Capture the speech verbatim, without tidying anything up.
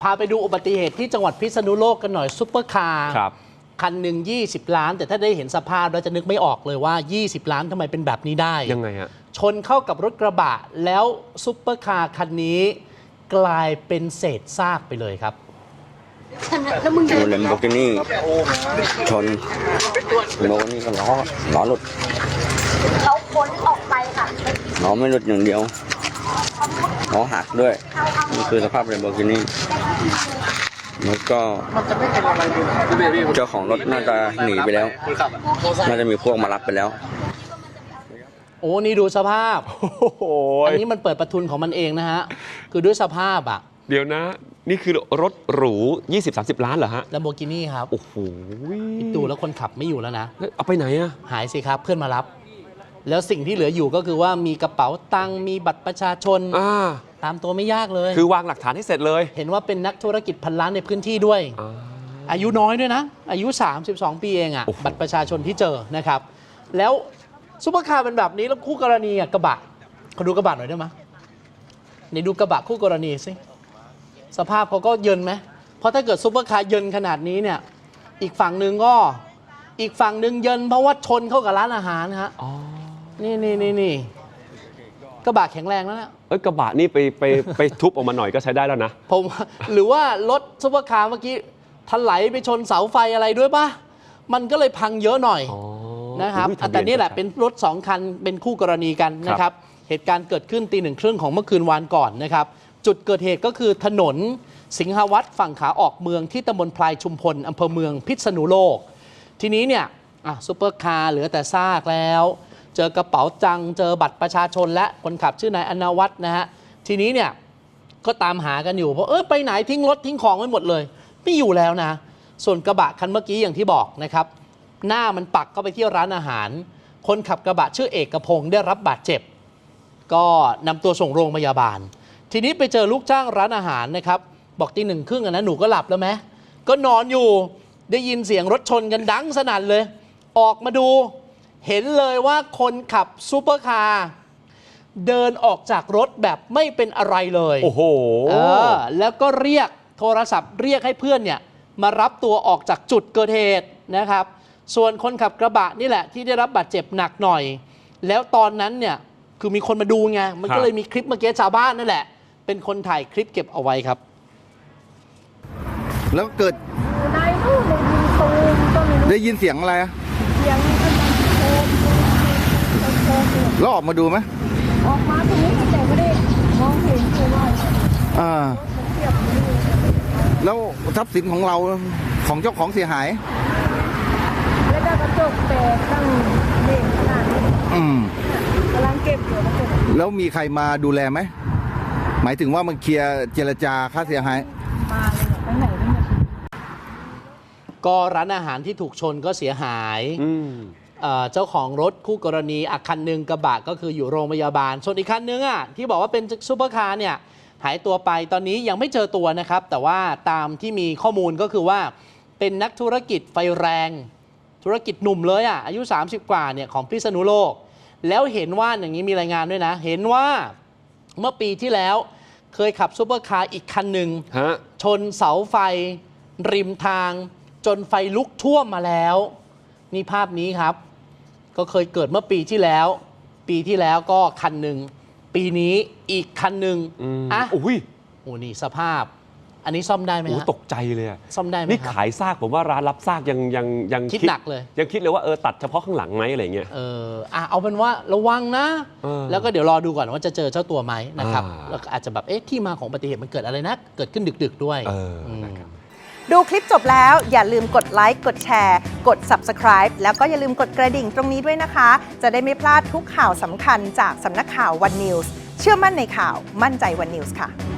พาไปดูอุบัติเหตุที่จังหวัดพิษณุโลกกันหน่อยซุปเปอร์คาร์คันหนึ่งยี่สิบล้านแต่ถ้าได้เห็นสภาพเราจะนึกไม่ออกเลยว่ายี่สิบล้านทำไมเป็นแบบนี้ได้ยังไงฮะชนเข้ากับรถกระบะแล้วซุปเปอร์คาร์คันนี้กลายเป็นเศษซากไปเลยครับแล้วมึงเลมโบกินี่ชนโบกินี่ก็ล้อล้อหลุดเขาพ้นออกไปค่ะล้อไม่หลุดอย่างเดียวล้อหักด้วยนี่คือสภาพเลมโบกินี่แล้วก็เจ้าของรถน่าจะหนีไปแล้วน่าจะมีพวกมารับไปแล้วโอ้นี่ดูสภาพอันนี้มันเปิดประทุนของมันเองนะฮะคือด้วยสภาพอ่ะเดี๋ยวนะนี่คือรถหรู ยี่สิบถึงสามสิบ ล้านเหรอฮะแลมโบกินี่ครับโอ้โหดูแล้วคนขับไม่อยู่แล้วนะเอาไปไหนอะหายสิครับเพื่อนมารับแล้วสิ่งที่เหลืออยู่ก็คือว่ามีกระเป๋าตังค์มีบัตรประชาชนตามตัวไม่ยากเลยคือวางหลักฐานให้เสร็จเลยเห็นว่าเป็นนักธุรกิจพันล้านในพื้นที่ด้วย อ, อายุน้อยด้วยนะอายุสามสิบสองปีเองอะบัตรประชาชนที่เจอนะครับแล้วซุปเปอร์คาร์เป็นแบบนี้แล้วคู่กรณีอะกระบะเขาดูกระบะหน่อยได้ไหมในดูกระบะคู่กรณีสิสภาพเขาก็เยินไหมเพราะถ้าเกิดซุปเปอร์คาร์เยินขนาดนี้เนี่ยอีกฝั่งหนึ่งก็อีกฝั่งหนึ่งเยินเพราะว่าชนเข้ากับร้านอาหารฮะนี่นี่นี่นี่กระบะแข็งแรงแล้วนะเอ้ยกระบะนี่ไปไปไปทุบออกมาหน่อยก็ใช้ได้แล้วนะผมหรือว่ารถซุปเปอร์คาร์เมื่อกี้ถลายไปชนเสาไฟอะไรด้วยป่ะมันก็เลยพังเยอะหน่อยนะครับแต่นี่แหละเป็นรถสองคันเป็นคู่กรณีกันนะครับเหตุการณ์เกิดขึ้นตีหนึ่งครึ่งของเมื่อคืนวานก่อนนะครับจุดเกิดเหตุก็คือถนนสิงหวัฒน์ฝั่งขาออกเมืองที่ตำบลพลายชุมพลอำเภอเมืองพิษณุโลกทีนี้เนี่ยซุปเปอร์คาร์เหลือแต่ซากแล้วเจอกระเป๋าจังเจอบัตรประชาชนและคนขับชื่อนายอนวัฒน์นะฮะทีนี้เนี่ยก็ตามหากันอยู่เพราะเออไปไหนทิ้งรถทิ้งของไว้หมดเลยไม่อยู่แล้วนะส่วนกระบะคันเมื่อกี้อย่างที่บอกนะครับหน้ามันปักเข้าไปที่ร้านอาหารคนขับกระบะชื่อเอกพงศ์ได้รับบาดเจ็บก็นำตัวส่งโรงพยาบาลทีนี้ไปเจอลูกจ้างร้านอาหารนะครับบอกตีหนึ่งครึ่งนะหนูก็หลับแล้วไหมก็นอนอยู่ได้ยินเสียงรถชนกันดังสนั่นเลยออกมาดูเห็นเลยว่าคนขับซูเปอร์คาร์เดินออกจากรถแบบไม่เป็นอะไรเลยโอ้โหเออแล้วก็เรียกโทรศัพท์เรียกให้เพื่อนเนี่ยมารับตัวออกจากจุดเกิดเหตุนะครับส่วนคนขับกระบะนี่แหละที่ได้รับบาดเจ็บหนักหน่อยแล้วตอนนั้นเนี่ยคือมีคนมาดูไงมันก็เลยมีคลิปเมื่อกี้ชาวบ้านนั่นแหละเป็นคนถ่ายคลิปเก็บเอาไว้ครับแล้วเกิดได้ยินตูมก็ไม่รู้ได้ยินเสียงอะไรเสียงแล้วออกมาดูไหมออกมาตรงนี้แต่ไม่ได้มองเห็นคือว่าอ่าแล้วทรัพย์สินของเราของเจ้าของเสียหายแล้วก็กระจกแตกตั้งเด็กขนาดนี้อืมกำลังเก็บอยู่กระจกแล้วมีใครมาดูแลไหมหมายถึงว่ามันเคลียร์เจรจาค่าเสียหายมาเลยไปไหนเนี่ยก็ร้านอาหารที่ถูกชนก็เสียหายเจ้าของรถคู่กรณีอีกคันหนึ่งกระบะก็คืออยู่โรงพยาบาลส่วนอีกคันนึงอ่ะที่บอกว่าเป็นซุปเปอร์คาร์เนี่ยหายตัวไปตอนนี้ยังไม่เจอตัวนะครับแต่ว่าตามที่มีข้อมูลก็คือว่าเป็นนักธุรกิจไฟแรงธุรกิจหนุ่มเลยอ่ะอายุสามสิบกว่าเนี่ยของพิษณุโลกแล้วเห็นว่าอย่างนี้มีรายงานด้วยนะเห็นว่าเมื่อปีที่แล้วเคยขับซุปเปอร์คาร์อีกคันหนึ่งชนเสาไฟริมทางจนไฟลุกท่วมมาแล้วนี่ภาพนี้ครับก็เคยเกิดเมื่อปีที่แล้วปีที่แล้วก็คันหนึ่งปีนี้อีกคันหนึ่งอ่ะโอ้ยโอ้นี่สภาพอันนี้ซ่อมได้ไหมฮะตกใจเลยซ่อมได้ไหมนี่ขายซากผมว่าร้านรับซากยังยังยังคิดหนักเลยยังคิดเลยว่าเออตัดเฉพาะข้างหลังไหมอะไรเงี้ยเอออ่ะเอาเป็นว่าระวังนะแล้วก็เดี๋ยวรอดูก่อนว่าจะเจอเจ้าตัวไหมนะครับแล้วอาจจะแบบเอ๊ะที่มาของอุบัติเหตุมันเกิดอะไรนะเกิดขึ้นดึกๆด้วยดูคลิปจบแล้วอย่าลืมกดไลค์กดแชร์กด ซับสไครบ์ แล้วก็อย่าลืมกดกระดิ่งตรงนี้ด้วยนะคะจะได้ไม่พลาดทุกข่าวสำคัญจากสำนักข่าว วัน นิวส์ เชื่อมั่นในข่าวมั่นใจ วัน นิวส์ ค่ะ